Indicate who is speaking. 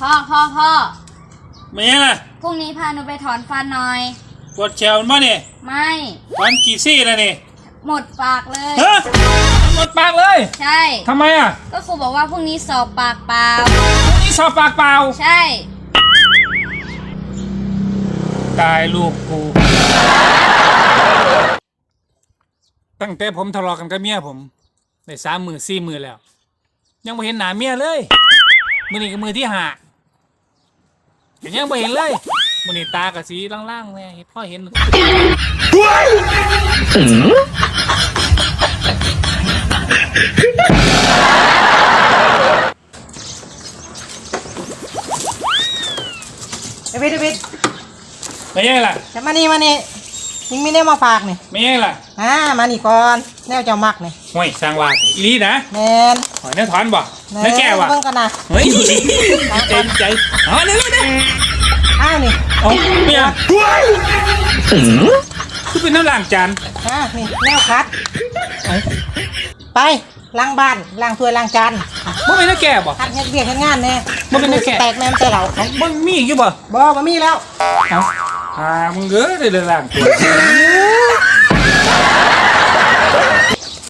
Speaker 1: พ่อ
Speaker 2: ไม่ยังล่ะ
Speaker 1: พรุ่งนี้พาหนูไปถอนฟันหน่อย
Speaker 2: ปวดแขวมั้ยเนี่ย
Speaker 1: ไม่
Speaker 2: ฟันกี่ซี่แล้วนี่
Speaker 1: หมดปากเลย
Speaker 2: ฮะหมดปากเลย
Speaker 1: ใช่
Speaker 2: ทำไมอ่ะ
Speaker 1: ก็ครูบอกว่าพรุ่งนี้สอบปากเปล่า
Speaker 2: พรุ่งนี้สอบปากเปล่า
Speaker 1: ใช่
Speaker 2: ตายลูกกูตั้งแต่ผมทะเลาะกันกับเมียผมได้3 มื้อ4 มื้อแล้วยังไม่เห็นหน้าเมียเลยมื้อนี้ก็มื้อที่5ยังไม่เห็นเลยมื้อนี้ตากะสีล่างๆแม่พ่อเห็น
Speaker 3: เดวิด
Speaker 2: ไม่ยังล่ะ
Speaker 3: จะมานี่ยิงมีแนวมาฝากนี่
Speaker 2: ไม่ยังล่ะ
Speaker 3: มานี่ก่อนแนวเจ้ามักนี่
Speaker 2: ห่วยสร้างว่าอีลีนะ
Speaker 3: แมน
Speaker 2: หอยเนื้อถอนบ่เนื้อแก้วว่ะ
Speaker 3: เบิ่งกันนะ
Speaker 2: เฮ้ยใจอ๋อนี่
Speaker 3: นี่
Speaker 2: โอ้เมียคือเป็นน้ำล้างจาน
Speaker 3: นี่แนวคัดไปล้างบ้านล้างถ้วยล้างจาน
Speaker 2: มันเป็นเนื้อแก้วบ่
Speaker 3: คัดเฮ็ดเวียกเฮ็ดงานแน่
Speaker 2: มันเป็นเนื้อแก้ว
Speaker 3: แตกแม่มแต่เรา
Speaker 2: มันมีอยู่บ่
Speaker 3: บ่มีแล้ว
Speaker 2: มึงเด้อได้ล้างตัว